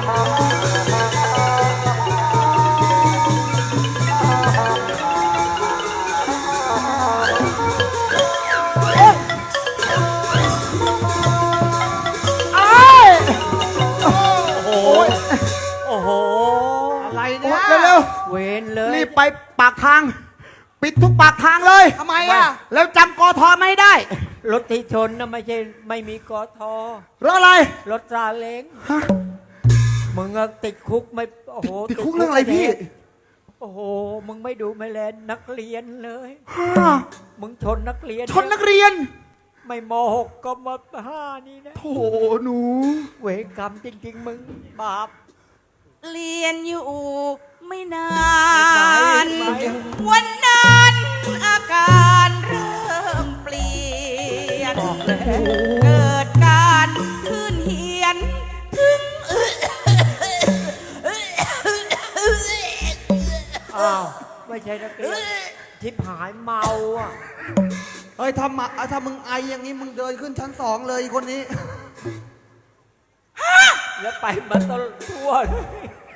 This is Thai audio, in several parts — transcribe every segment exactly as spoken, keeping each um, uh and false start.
เวนเลยรีบไปปากทางปิดทุกปากทางเลยทำไมอ่ะแล้วจำกทไม่ได้รถที่ชนนะไม่ใช่ไม่มีกทรถอะไรรถซาเล้งมึงติดคุกไม่โอ้โหติดคุกเรื่องอะไรพี่โอ้โหมึงไม่ดูไม่แลนักเรียนเลยมึงชนนักเรียนชนนักเรียนไม่มหกก็มห้านี่นะโธ่หนูเวรกรรมจริงๆมึงบาปเรียนอยู่ไม่นานวันนั้นอาการเริ่มเปลี่ยนเกิดการขึ้นเหียนถึงอ้าวไม่ใช่นักเรียนทิพหายเมาอ่ะเฮ้ยทำมาถ้ามึงไออย่างนี้มึงเดินขึ้นชั้นสองเลยคนนี้แล้วไปมาตลอดทั่วเลย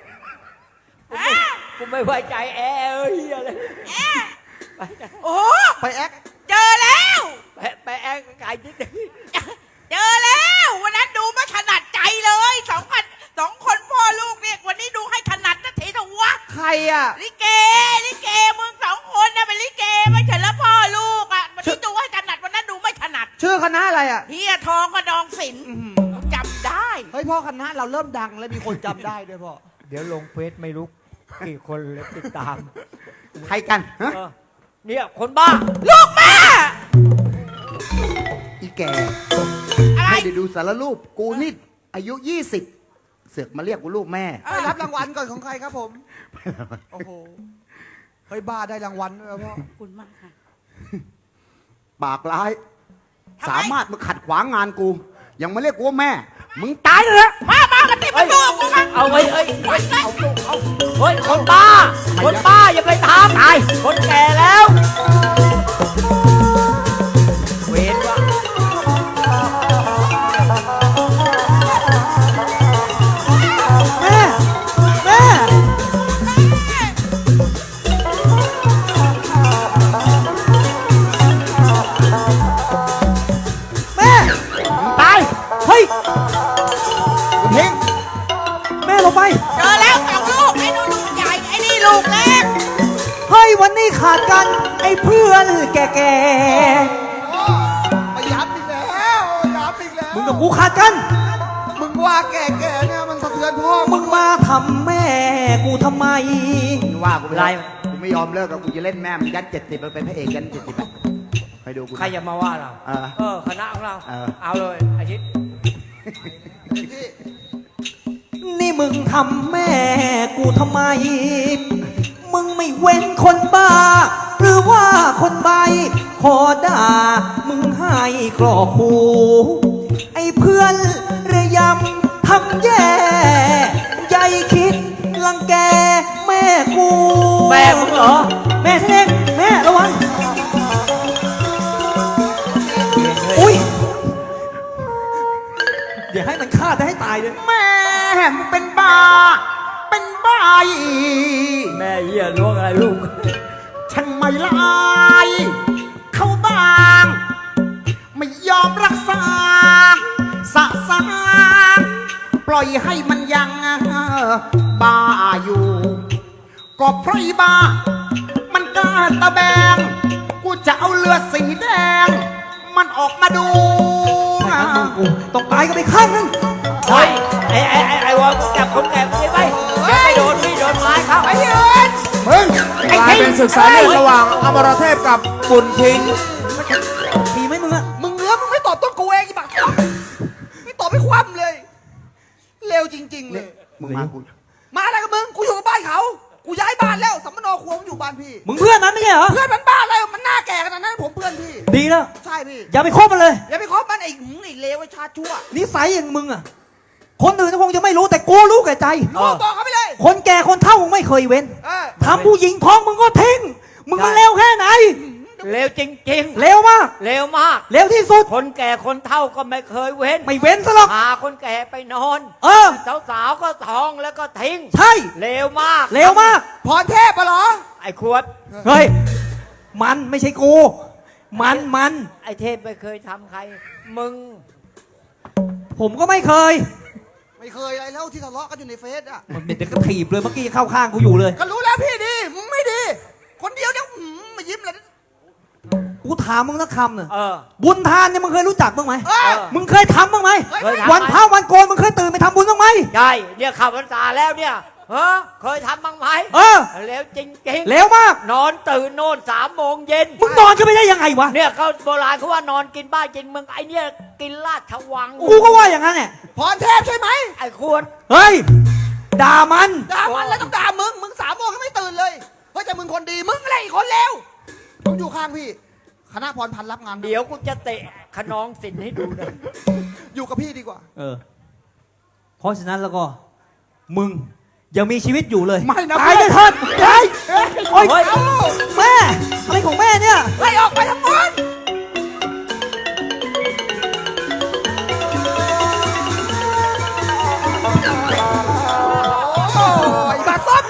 กูไม่ไว้ใจแอร์เอ้ยอะไรไปโอ้ไปแอคเจอแล้วไปไปแอคไก่นิดนึงเจอแล้ววันนั้นดูไม่ถนัดใจเลยสองพันสองคนพ่อลูกเนี่ยวันนี้ดูให้ถนัดนะทีนะวะใครอ่ะลิเกลิเกมึงสองคนนะเป็นลิเกไม่ใช่แล้วพ่อลูกอ่ะวันนี้ดูให้ถนัดวันนั้นดูไม่ถนัดชื่อคณะอะไรอ่ะเฮียทองกระดองศิลป์จำได้เฮ้ยพ่อคณะเราเริ่มดังแล้วมีคนจำได้ด้วยพ่อเดี๋ยวลงเฟซไม่รู้กี่คนเลยติดตามใครกันเนี่ยคนบ้าลูกแม่อีแกไม่ได้ดูสารรูปกูนี่อายุยี่สิบเสือกมาเรียกกูลูกแม่ไปรับรางวัลก่อนของใครครับผมโอ้โหเฮ้ยบ้าได้รางวัลด้วยพ่อคุณมากค่ะปากร้ายสามารถมาขัดขวางงานกูยังมาเรียกกูว่าแม่มึงตายเลยนะมามากันติดประตูกูกันเอาไว้เอ้ยเอาเอาเฮ้ยคนบ้าคนบ้าอย่าไปทำตายคนแก่แล้วเวรว่ะแม่แม่แม่ตายเฮ้ยเพ่งแม่ลงไปเจอแล้วสองลูกไอ้นู่นลูกใหญ่ไอ้นี่ลูกเล็กเฮ้ยวันนี้ขาดกันไอ้เพื่อนแก่ๆมาย้ำอีกแล้วย้ำอีกแล้วมึงกับกูขาดกันมึงว่าแก่ๆเนี่ยมันสะเทือนพ่อมึงมาทำแม่กูทำไมว่ากูไม่ไรกูไม่ยอมเลิกกับกูจะเล่นแม่มึงยัดเจ็ดสิบมันเป็นพระเอกยันเจ็ดสิบไปดูกูใครจะมาว่าเราเออคณะของเราเอาเลยอาทิตย์นี่มึงทำแม่กูทำไมมึงไม่เว้นคนบ้าหรือว่าคนใบขอด่ามึงให้กรอกหูไอ้เพื่อนระยำทำแย่ใจคิดรังแกแม่กูแม่มึงเหรอแม่เล็กแม่ระวังอุ้ยเดี๋ยวให้มันฆ่าได้ให้ตายเลยแม่เป็นบ้าเป็นบ้าแม่เหี้ยล้วงอะไรลูกฉันไม่ลายเขาบางไม่ยอมรักษาสะสางปล่อยให้มันยังบ้าอยู่ก็เพราะบ้ามันกล้าตะแบงกูจะเอาเลือดสีแดงมันออกมาดูต้องตายกันไปข้างนึงเฮ้ยไอ้ไอ้ไอ้ไอ้วอลจับคนแก่ไปไปแกไปโดนพี่โดนไม้เขาไอ้ยืนมึงไอ้ที่เป็นศึกษาเรื่องระหว่างอมรเทพกับบุญทิ้งมีไหมมึงอะมึงเงื้อมึงไม่ตอบต้นกูเองอีบักไม่ตอบไม่คว่ำเลยเร็วจริงๆเลยมึงมากูมาอะไรกับมึงกูอยู่กับบ้านเขากูย้ายบ้านแล้วสัมมโนครัวมึงอยู่บ้านพี่มึงเพื่อนมันไม่ใช่เหรอเพื่อนมันบ้าอะไรมันหน้าแก่ขนาดนั้นผมเพื่อนพี่ดีแล้วใช่พี่อย่าไปคบมันเลยอย่าไปคบมันไอ้หืมไอ้เลวไอ้ชาชั่วนิสัยอย่างมึงอะคนอื่นคงจะไม่รู้แต่กูรู้แก่ใจรู้บอกเขาไปเลยคนแก่คนเฒ่ามึงไม่เคยเว้นทำผู้หญิงท้องมึงก็ทิ้งมึงมันเลวแค่ไหนเร็วจริงๆเร็วมากเร็วมากเร็วที่สุดคนแก่คนเฒ่าก็ไม่เคยเว้นไม่เว้นซะหรอกพาคนแก่ไปนอนเออสาวๆก็ท้องแล้วก็ทิ้งใช่เร็วมากเร็วมากพรเทพปะเหรอไอ้ขวดเฮ้ย มันไม่ใช่กู มันมันไอ้เทพไม่เคยทำใคร มึงผมก็ไม่เคยไม่เคยอะไรแล้วที่ทะเลาะกันอยู่ในเฟซอ่ะมันเป็นเด็กกระถีบเลยเมื่อกี้เข้าข้างกูอยู่เลยก็รู้แล้วพี่ดีมึงไม่ดี คนเดียวเนี่ยหืมมายิ้มเลยกูถามมึงสักคำหนึ่งเออบุญทานเนี่ยมึงเคยรู้จักบ้างไหมเออมึงเคยทำบ้างไหมเคยทำวันพระวันโกนมึงเคยตื่นไปทำบุญบ้างไหมใช่เนี่ยขับพรรษาแล้วเนี่ยเฮ้เคยทำบ้างไหมเออเร็วจริงๆเร็วมากนอนตื่นโน่นสามโมงเย็นมึงนอนก็ไม่ได้ยังไงวะเนี่ยเขาโบราณเขาว่านอนกินบ้านกินเมืองไอ้เนี่ยกินลาดชวังกูก็ว่าอย่างนั้นแหละพรเทพใช่ไหมไอ้ขวดเฮ้ย ด่ามันด่ามันแล้วต้องด่ามึง มึงสามโมงก็ไม่ตื่นเลยเฮ้ยแต่มึงคนดี มึงอะไรอีกคนเลวมึงอยู่ข้างพี่ คณะพรพันธ์รับงานเดี๋ยวกูจะเตะขนองสินให้ดูนะอยู่กับพี่ดีกว่าเออ เพราะฉะนั้นแล้วก็ มึงยังมีชีวิตอยู่เลยไม่นะตายเลยเถิดตายโอ๊ยเฮ้ยเอ้าแม่อะไรของแม่เนี่ยไล่ออกไปทั้งหมดโอ้ยบาซบ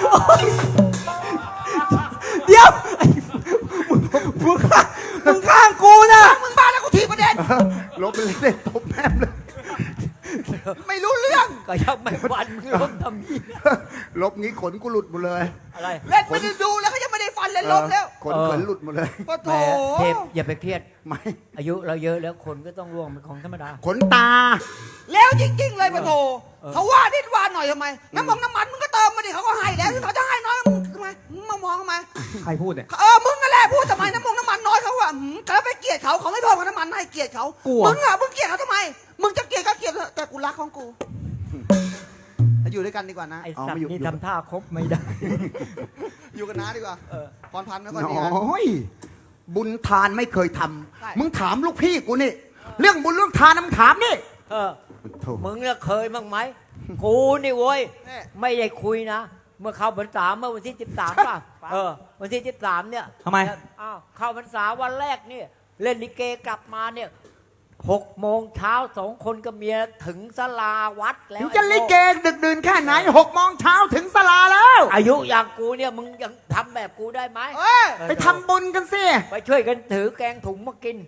เดี๋ยวไอ้มึงมึงข้างมึงข้างกูนะมึงบ้าแล้วกูทีประเด็นลบไปเลยเด็ดตบแม่มเลยไม่รู้เรื่องก็ยังไม่วันล้มทำยี่ลบงี้ขนกูหลุดหมดเลยอะไรเล่นไม่ได้ดูแล้วก็ยังไม่ได้ฟันเลยลบแล้วขนขนหลุดหมดเลยปะโถแหมเทพอย่าไปเครียดไม่อายุเราเยอะแล้วคนก็ต้องร่วงเป็นของธรรมดาขนตาแล้วจริง ๆ เลยปะโถเออเขาว่านิดว่าหน่อยทำไม น้ำมันน้ำมันมึงก็เติมมาดิเขาก็ให้แล้วเขาจะให้น้อยมึงทำไมมึงมามองทำไมใครพูดเนี่ยเออ มึงนั่นแหละพูดทำไมน้ำมันน้ำมันน้อยเขาอะหืมแต่ไปเกลียดเขาเขาไม่เพิ่มน้ำมันให้เกลียดเขากลัวมึงอะมึงเกลียดเขาทำไม มึงจะเกลียดก็เกลียดเถอะแต่กูรักของกูอยู่ด้วยกันดีกว่านะไอ้เอาสัตไม่ว์อยู่นี่อยู่ทำท่าคบไม่ได้อยู่กันน้าดีกว่าเออพรพันธ์ไม่โค่อยดีนะอ้ยบุญทานไม่เคยทใช่ำมึงถามลูกพี่กูนี่ เรื่องบุญเรื่องทานนะมึงถามนี่เออโถ่มึงเนี่ยเคยบ้างไหม กูนี่เว้ยแน่ไม่ได้คุยนะ เมื่อเข้าพรรษาเมื่อวันที่สิบสามป่ะ เออ วันที่สิบสามเนี่ยทำไมอ้าวเข้าพรรษาวันแรกเนี่ย เล่นลิเกกลับมาเนี่ยหกโมงเช้าสองคนกับเมียถึงศาลาวัดแล้วถึงจะลิเกดึกดื่นแค่ไหนหกโมงเช้าถึงสลาแล้วอายุอย่างกูเนี่ยมึงยังทำแบบกูได้ไหมเอ้ยไปทำบุญกันสิไปช่วยกันถือแกงถุงมากิน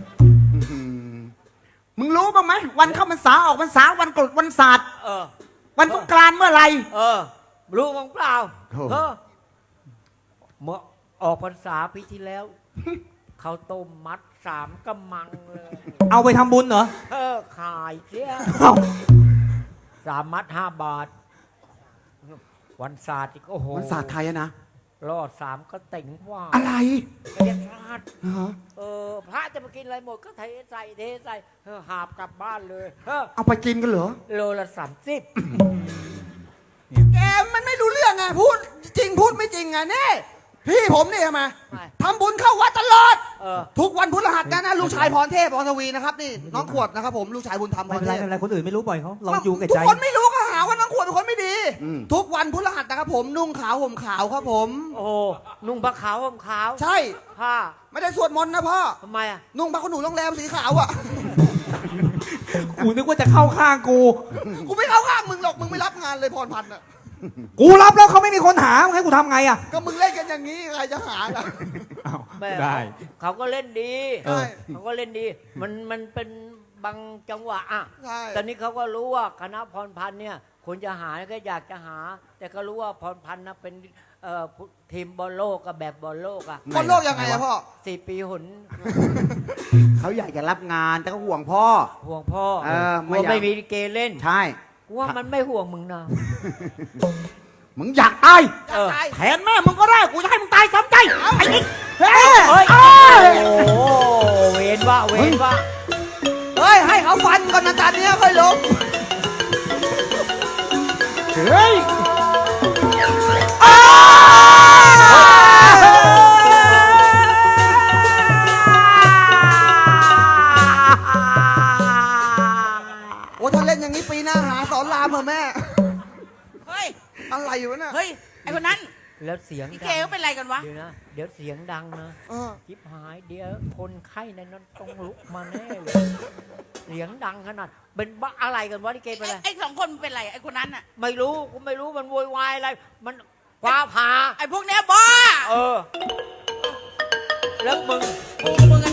มึงรู้บ้างไหมวันเข้าพรรษาออกพรรษาวันกรดวันศาสตร์เออวันสงกรานต์เมื่อไหร่เออ รู้มั้งเปล่าโถ่เออเมื่อออกพรรษาปีที่แล้ว เขาวต้มมัดสามกำมังเลยเอาไปทำบุญเหรอเออ ขายเสียเอ้าสามมัดห้าบาท วันศาสตร์อีกโอ้โหวันศาสตร์ไทยอะนะรอดสามก็เต็งว่าอะไรเรียกพลาดฮะเออ พระจะมากินอะไรหมดก็เทใส่เทใส่เออหาบกลับบ้านเลยเออเอาไปกินกันเหรอโลละสามสิบแกมันไม่รู้เรื่องไงพูดจริงพูดไม่จริงไงนี่พี่ผมนี่ทำไมทำบุญเข้าวัดตลอดเออทุกวันพุธรหัสนะนะลูกชายพรเทพพรทวีนะครับนี่น้องขวดนะครับผมลูกชายบุญธรรมพไม่รเป็นเทไรพไม่เป็นไรคนอื่นไม่รู้ปล่อยเขาเราอยู่กับทุใจกคนไม่รู้ก็หาว่าน้องขวดเป็นคนไม่ดีอืมทุกวันพุธรหัสนะครับผมนุ่งขาวห่มขาวครับผมโอ้โหนุ่งผ้าขาวห่มขาวใช่ผ้าไม่ได้สวดมนต์นะพ่อทำไมอ่ะนุ่งผ้าขนหนูโรงแรมสีขาวอ่ะกูนึกว่าจะเข้าข้างกูกูไม่เข้าข้างมึงหรอกมึงไม่รับงานเลยพรพันธ์อ่ะกูรับแล้วเขาไม่มีคนหามึงให้กูทำไงอ่ะก็มึงเล่นกันอย่างนี้ใครจะหาล่ะอ้าวแม่ได้เขาก็เล่นดีใช่เขาก็เล่นดี มันมันเป็นบางจังหวะอ่ะใช่ตอนนี้เขาก็รู้ว่าคณะพรพันธ์เนี่ยคนจะหาก็อยากจะหา แต่ก็รู้ว่าพรพันธ์นะเป็นเอ่อทีมบอลโลกกับแบบบอลโลกอ่ะคนโลกยังไงอะพ่อสี่ปีหนเขาอยากจะรับงานแต่ก็ห่วงพ่อห่วงพ่อเออไม่กลัวอยากไม่มีลิเกเล่นใช่กูว่ามันไม่ห่วงมึงนะมึงอยากตายเออตายแทนแม่มึงก็ได้กูจะให้มึงตายซ้ำใจไอ้นี่เฮ้ยเฮ้ยเอ้ยโอ้โหเวนว่าเวนว่าเฮ้ยให้เขาฟันก่อนนะจานเนี้ยค่อยลงเฮ้ยโอ้ถ้าเล่นอย่างนี้ปีหน้าหาสอนรามเหรอแม่เฮ้ยอะไรอยู่วะเนี่ยเฮ้ย ไอคนนั้นแล้วเสียงพี่ดัเกเขาเป็นไรกันวะเดี๋ยวนะเดี๋ยวเสียงดังนะเออชิบหายเดี๋ยวคนไข้ในนั้นต้องลุกมาแน่เลยเสียงดังขนาดเป็นบ้าอะไรกันวะนี่เกเป็นอะไรไอ้สองคนมันเป็นไรไอ้คนนั้นอ่ะไม่รู้กูไม่รู้มันโวยวายอะไรมันฟ้าผ่าไอ้พวกเนี้ยบ้าเออแล้วมึงกูกับมึง